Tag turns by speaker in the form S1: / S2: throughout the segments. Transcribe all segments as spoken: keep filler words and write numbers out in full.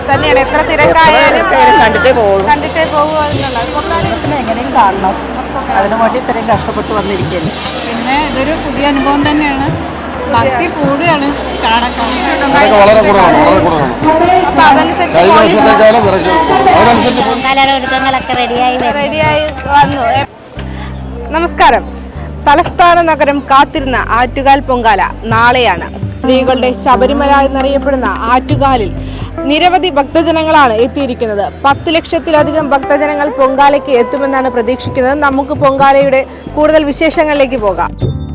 S1: തന്നെയാണ് എത്ര തിരക്കായാലും
S2: കണ്ടിട്ടേ പോകും
S1: കണ്ടിട്ടേ പോകുക
S2: എങ്ങനെയും കാണണം. അതിനു വേണ്ടി ഇത്രയും കഷ്ടപ്പെട്ട് വന്നിരിക്കുന്നു.
S3: പിന്നെ ഇതൊരു പുതിയ അനുഭവം തന്നെയാണ്. ഭക്തി കൂടുകയാണ് കാണാൻ.
S4: വളരെ കുറവാണ് വളരെ കുറവാണ് കഴിഞ്ഞ വർഷത്തെക്കാളും
S5: ഒരുക്കങ്ങളൊക്കെ റെഡിയായി
S1: റെഡിയായി വന്നു. നമസ്കാരം. തലസ്ഥാന നഗരം കാത്തിരുന്ന ആറ്റുകാൽ പൊങ്കാല നാളെയാണ്. സ്ത്രീകളുടെ ശബരിമല എന്നറിയപ്പെടുന്ന ആറ്റുകാലിൽ നിരവധി ഭക്തജനങ്ങളാണ് എത്തിയിരിക്കുന്നത്. പത്ത് ലക്ഷത്തിലധികം ഭക്തജനങ്ങൾ പൊങ്കാലയ്ക്ക് എത്തുമെന്നാണ് പ്രതീക്ഷിക്കുന്നത്. നമുക്ക് പൊങ്കാലയുടെ കൂടുതൽ വിശേഷങ്ങളിലേക്ക് പോകാം.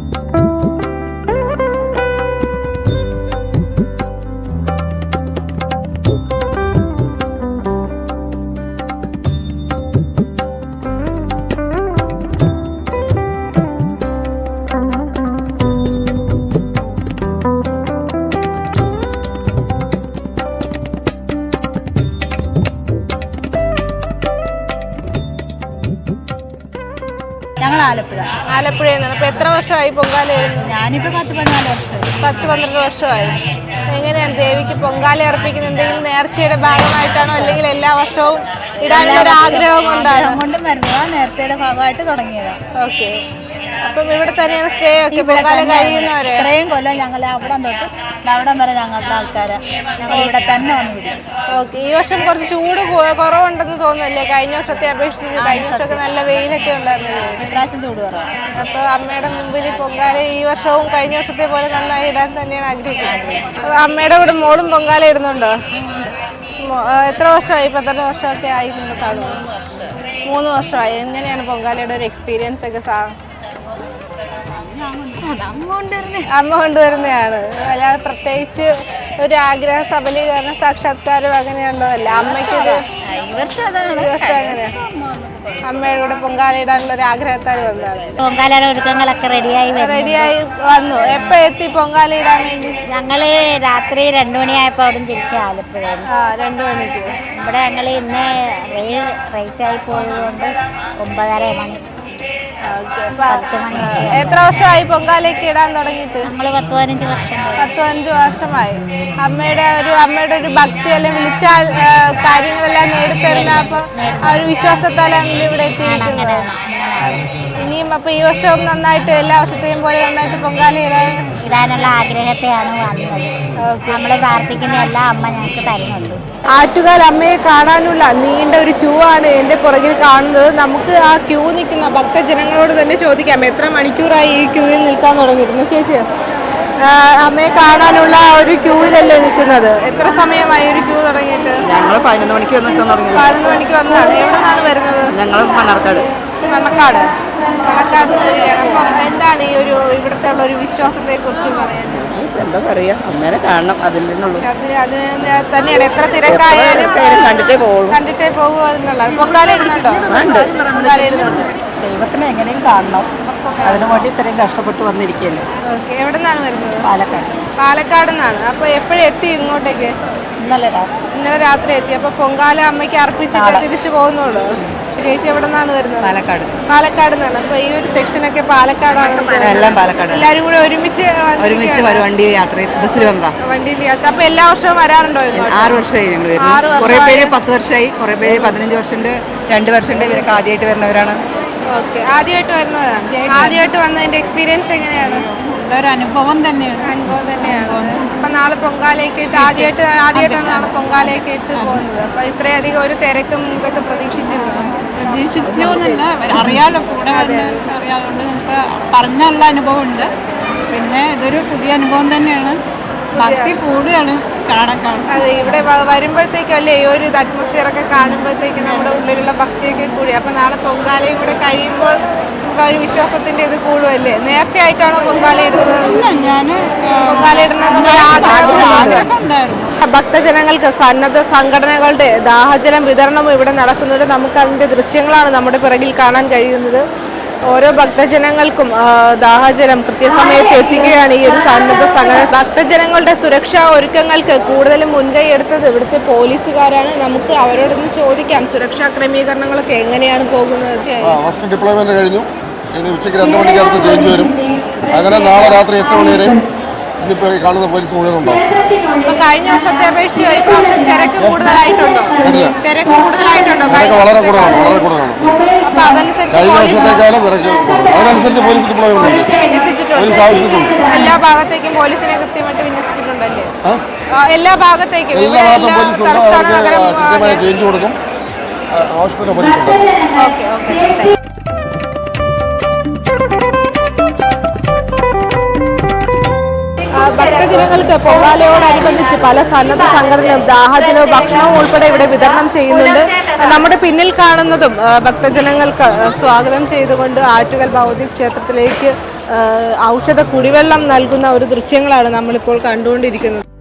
S5: ഞങ്ങൾ ആലപ്പുഴ
S1: ആലപ്പുഴയിൽ നിന്ന്. അപ്പൊ എത്ര വർഷമായി പൊങ്കാല എഴുതുന്നത്?
S5: ഞാനിപ്പോ പത്ത് പതിനാല് വർഷമായി
S1: പത്ത് പന്ത്രണ്ട് വർഷമായി. എങ്ങനെയാണ് ദേവിക്ക് പൊങ്കാല അർപ്പിക്കുന്നത്? എന്തെങ്കിലും നേർച്ചയുടെ ഭാഗമായിട്ടാണോ അല്ലെങ്കിൽ എല്ലാ വർഷവും ഇടാനുള്ള ഒരു ആഗ്രഹം കൊണ്ടാണ്
S5: കൊണ്ടും വരുന്നതാ? നേർച്ചയുടെ ഭാഗമായിട്ട് തുടങ്ങിയതാണ്.
S1: ഓക്കെ. അപ്പം ഇവിടെ തന്നെയാണ് സ്റ്റേ ഒക്കെ പൊങ്കാല കഴിയുന്നവരെ?
S5: ഇത്രയും കൊല്ലം ഞങ്ങൾ അവിടം തൊട്ട് അവിടം വരെ ഞങ്ങളുടെ ആൾക്കാരെ ഞങ്ങൾ ഇവിടെ തന്നെ വന്ന് വിടും.
S1: ഓക്കെ. ഈ വർഷം കുറച്ച് ചൂട് കുറവുണ്ടെന്ന് തോന്നുന്നല്ലേ കഴിഞ്ഞ വർഷത്തെ അപേക്ഷിച്ച്? കഴിഞ്ഞ വർഷമൊക്കെ നല്ല വെയിലൊക്കെ ഉണ്ടായിരുന്നില്ലേ?
S5: ഇപ്രാവശ്യം ചൂട് കുറവാണ്.
S1: അപ്പോൾ അമ്മയുടെ മുമ്പിൽ പൊങ്കാല ഈ വർഷവും കഴിഞ്ഞ വർഷത്തെ പോലെ നന്നായി ഇടാൻ തന്നെയാണ് ആഗ്രഹിക്കുന്നത്. അമ്മയുടെ കൂടെ മോളും പൊങ്കാല ഇടുന്നുണ്ടോ? എത്ര വർഷമായി? പന്ത്രണ്ട് വർഷമൊക്കെ ആയി കാണുമോ? മൂന്ന് വർഷമായി. എങ്ങനെയാണ് പൊങ്കാലയുടെ ഒരു എക്സ്പീരിയൻസ് ഒക്കെ? സാ അമ്മ കൊണ്ടുവരുന്നതാണ്. അല്ലാതെ പ്രത്യേകിച്ച് ഒരു ആഗ്രഹ സബലീകരണ സാക്ഷാത്കാരം അങ്ങനെയുള്ളതല്ല. അമ്മയ്ക്കൊരു
S5: ഈ വർഷം
S1: അങ്ങനെ അമ്മയുടെ കൂടെ പൊങ്കാല ഇടാനുള്ള ഒരു ആഗ്രഹത്താൽ വന്നതാണ്.
S5: പൊങ്കാലയുടെ ഒരുക്കങ്ങളൊക്കെ റെഡിയായി
S1: റെഡിയായി വന്നു. എപ്പോ എത്തി പൊങ്കാല ഇടാൻ വേണ്ടി?
S5: ഞങ്ങള് രാത്രി രണ്ടു മണിയായപ്പോ അവിടെ തിരിച്ച് ആലപ്പുഴ.
S1: ആ, രണ്ടു മണിക്ക്.
S5: ഇവിടെ ഞങ്ങൾ ഇന്ന് റെയിൽ റേറ്റ് ആയി പോയതുകൊണ്ട് ഒമ്പതര മണി.
S1: എത്ര വർഷമായി പൊങ്കാലയ്ക്ക് ഇടാൻ തുടങ്ങിയിട്ട്?
S5: നമ്മള് പത്ത് പതിനഞ്ച് വർഷം
S1: പത്ത് പതിനഞ്ച് വർഷമായി. അമ്മയുടെ ഒരു അമ്മയുടെ ഒരു ഭക്തി അല്ലെങ്കിൽ വിളിച്ചാൽ കാര്യങ്ങളെല്ലാം നേടിത്തരുന്ന അപ്പൊ ആ ഒരു വിശ്വാസത്താലാണ് ഇവിടെ എത്തിയിരിക്കുന്നത്. ഇനിയും അപ്പൊ ഈ വർഷവും നന്നായിട്ട് എല്ലാ വർഷത്തെയും പോലെ നന്നായിട്ട് പൊങ്കാല ഇടാൻ
S5: ഇടാനുള്ള ആഗ്രഹത്തെയാണ് വന്നത്. നമ്മൾ പ്രാർത്ഥിക്കുന്ന എല്ലാ അമ്മ ഞങ്ങൾക്ക് തരുന്നുണ്ട്.
S1: ആറ്റുകാൽ അമ്മയെ കാണാനുള്ള നീണ്ട ഒരു ക്യൂ ആണ് എൻ്റെ പുറകിൽ കാണുന്നത്. നമുക്ക് ആ ക്യൂ നിൽക്കുന്ന ഭക്തജനങ്ങളോട് തന്നെ ചോദിക്കാം എത്ര മണിക്കൂറായി ഈ ക്യൂവിൽ നിൽക്കാൻ തുടങ്ങിയിരുന്നു. ചേച്ചി, അമ്മയെ കാണാനുള്ള ഒരു ക്യൂവിലല്ലേ നിൽക്കുന്നത്? എത്ര സമയമായി ഒരു ക്യൂ തുടങ്ങിയിട്ട്?
S2: ഞങ്ങൾ പതിനൊന്ന് മണിക്ക് നിൽക്കാൻ തുടങ്ങി.
S1: പതിനൊന്ന് മണിക്ക് വന്നതാണ്. എവിടെ നിന്നാണ് വരുന്നത്?
S2: ഞങ്ങൾ മണ്ണാർക്കാട്.
S1: മണ്ണക്കാട് മണ്ണക്കാട് അപ്പം എന്താണ് ഈ ഒരു ഇവിടുത്തെ ഉള്ള ഒരു വിശ്വാസത്തെ കുറിച്ച് പറയാൻ?
S2: എന്താ പറയാ, അമ്മേനെ കാണണം, അതിൻ്റെ
S1: അത് തന്നെയാണ് എത്ര തിരക്കായാലും
S2: കണ്ടിട്ടേ പോകും
S1: കണ്ടിട്ടേ പോകുക എന്നുള്ളത്. പൊങ്കാല ഇടുന്നുണ്ടോ? പൊങ്കാല ഇടുന്നുണ്ട്.
S2: ദൈവത്തിനെ എങ്ങനെയും കാണണം. അതിനു വേണ്ടി ഇത്രയും കഷ്ടപ്പെട്ട് വന്നിരിക്കുകയല്ലേ.
S1: ഓക്കെ. എവിടെ നിന്നാണ് വരുന്നത്?
S2: പാലക്കാട്.
S1: പാലക്കാട് നിന്നാണ്. അപ്പൊ എപ്പോഴും എത്തി ഇങ്ങോട്ടേക്ക്?
S2: ഇന്നലെ രാത്രി.
S1: ഇന്നലെ രാത്രി എത്തി. അപ്പൊ പൊങ്കാല അമ്മയ്ക്ക് അർപ്പിച്ചിട്ട് തിരിച്ചു പോകുന്നുള്ളൂ. ചേച്ചി എവിടെ നിന്നാണ് വരുന്നത്?
S2: പാലക്കാട്.
S1: പാലക്കാട് നിന്നാണ്. അപ്പൊ ഈ ഒരു സെക്ഷനൊക്കെ പാലക്കാടാണ്?
S2: എല്ലാം പാലക്കാട്.
S1: എല്ലാരും കൂടെ ഒരുമിച്ച്
S2: ഒരുമിച്ച് വണ്ടി യാത്ര ബസ്സിൽ വന്നതാ.
S1: വണ്ടിയിൽ യാത്ര. അപ്പൊ എല്ലാ വർഷവും വരാറുണ്ടോ?
S2: ആറ് വർഷമായി ഞങ്ങൾ വരുന്നു. കുറെ പേര് പത്ത് വർഷമായി, കുറെ പേര് പതിനഞ്ച് വർഷമുണ്ട്, രണ്ട് വർഷമുണ്ട്. ഇവരൊക്കെ ആദ്യമായിട്ട് വരുന്നവരാണ്.
S1: ഓക്കെ. ആദ്യമായിട്ട് വരുന്നതാണ്. ആദ്യമായിട്ട് വന്നതിന്റെ എക്സ്പീരിയൻസ് എങ്ങനെയാണ്?
S3: ഒരു അനുഭവം തന്നെയാണ്.
S1: അനുഭവം തന്നെയാണ്. അപ്പൊ നാളെ പൊങ്കാലയൊക്കെ ഇട്ട് ആദ്യമായിട്ട് ആദ്യമായിട്ടാണ് നാളെ പൊങ്കാലയൊക്കെ ഇട്ട് പോകുന്നത്. അപ്പൊ ഇത്രയധികം ഒരു തിരക്കും ഇതൊക്കെ പ്രതീക്ഷിച്ചിരുന്നു?
S3: പ്രതീക്ഷിച്ചോന്നല്ല, അറിയാലോ, കൂടെ അറിയാതുകൊണ്ട് നമുക്ക് പറഞ്ഞുള്ള അനുഭവം ഉണ്ട്. പിന്നെ ഇതൊരു പുതിയ അനുഭവം തന്നെയാണ്. ഭക്തി കൂടുകയാണ് കാണാൻ കാണും.
S1: അതെ, ഇവിടെ വരുമ്പോഴത്തേക്കും അല്ലേ ഈ ഒരു അറ്റ്മോസ്ഫിയറൊക്കെ കാണുമ്പോഴത്തേക്ക് നമ്മുടെ ഉള്ളിലുള്ള ഭക്തിയൊക്കെ കൂടി. അപ്പൊ നാളെ പൊങ്കാലയും കൂടെ കഴിയുമ്പോൾ നമുക്ക് ഒരു വിശ്വാസത്തിന്റെ ഇത് കൂടുമല്ലേ? നേർച്ചയായിട്ടാണോ പൊങ്കാല ഇടുന്നത്?
S3: ഞാൻ
S1: പൊങ്കാല ഇടുന്ന
S3: ആഗ്രഹം ഉണ്ടായിരുന്നു.
S1: ഭക്തജനങ്ങൾക്ക് സന്നദ്ധ സംഘടനകളുടെ ദാഹജലം വിതരണവും ഇവിടെ നടക്കുന്നുണ്ട്. നമുക്ക് അതിന്റെ ദൃശ്യങ്ങളാണ് നമ്മുടെ പിറകിൽ കാണാൻ കഴിയുന്നത്. ഓരോ ഭക്തജനങ്ങൾക്കും ദാഹജലം കൃത്യസമയത്ത് എത്തിക്കുകയാണ് ഈ ഒരു സന്നദ്ധ സംഘടന. ഭക്തജനങ്ങളുടെ സുരക്ഷാ ഒരുക്കങ്ങൾക്ക് കൂടുതലും മുൻകൈ എടുത്തത് ഇവിടുത്തെ പോലീസുകാരാണ്. നമുക്ക് അവരോടൊന്ന് ചോദിക്കാം സുരക്ഷാ ക്രമീകരണങ്ങളൊക്കെ എങ്ങനെയാണ് പോകുന്നത്.
S4: ഫസ്റ്റ് ഡിപ്ലോയ്മെന്റ് കഴിഞ്ഞു. ഇനി ഉച്ചയ്ക്ക് രണ്ട് മണിക്കടുത്ത് ചേഞ്ച് വരും. അങ്ങനെ നാളെ രാത്രി എട്ട് മണി വരെയും ഇന്നിപ്പോൾ കാണുന്ന പോലീസ് മുഴുവൻ ഉണ്ടാവും.
S1: അപ്പൊ കഴിഞ്ഞ വർഷത്തെ അപേക്ഷിച്ച് ഈ പ്രാവശ്യം തിരക്ക് കൂടുതലായിട്ടുണ്ടോ? തിരക്ക് കൂടുതലായിട്ടുണ്ടോ?
S4: തിരക്ക് വളരെ കൂടുതലാണ് വളരെ കൂടുതലാണ്
S1: അപ്പൊ അതനുസരിച്ച്
S4: കഴിഞ്ഞ
S1: പോലീസ്
S4: വർഷത്തേക്കാളും തിരക്ക് കൂടുതലാണ്. അതിനനുസരിച്ച് പോലീസ് ഡിപ്ലോയ്മെന്റ് ഉണ്ട്.
S1: വിന്യസിച്ചിട്ടുണ്ട്.
S4: പോലീസ് ആവശ്യത്തിനുണ്ട്.
S1: എല്ലാ ഭാഗത്തേക്കും പോലീസിനെ കൃത്യമായിട്ട് വിന്യസിച്ചിട്ടുണ്ടല്ലേ? ആ, എല്ലാ ഭാഗത്തേക്കും
S4: എല്ലാ
S1: ഇവിടെ
S4: ഭാഗത്തും
S1: എല്ലാ
S4: പോലീസ് ഉണ്ട്.
S1: തലസ്ഥാന
S4: അവർക്ക്
S1: നഗരം
S4: കൃത്യമായ ചേഞ്ച് കൊടുക്കും. ആവശ്യത്തിന് പോലീസ് ഉണ്ട്.
S1: ഓക്കെ ഓക്കെ ഭക്തജനങ്ങൾക്ക് പൊങ്കാലയോടനുബന്ധിച്ച് പല സന്നദ്ധ സംഘടനകളും ദാഹജലവും ഭക്ഷണവും ഉൾപ്പെടെ ഇവിടെ വിതരണം ചെയ്യുന്നുണ്ട്. നമ്മുടെ പിന്നിൽ കാണുന്നതും ഭക്തജനങ്ങൾക്ക് സ്വാഗതം ചെയ്തുകൊണ്ട് ആറ്റുകാൽ ഭഗവതി ക്ഷേത്രത്തിലേക്ക് ഔഷധ കുടിവെള്ളം നൽകുന്ന ഒരു ദൃശ്യങ്ങളാണ് നമ്മളിപ്പോൾ കണ്ടുകൊണ്ടിരിക്കുന്നത്.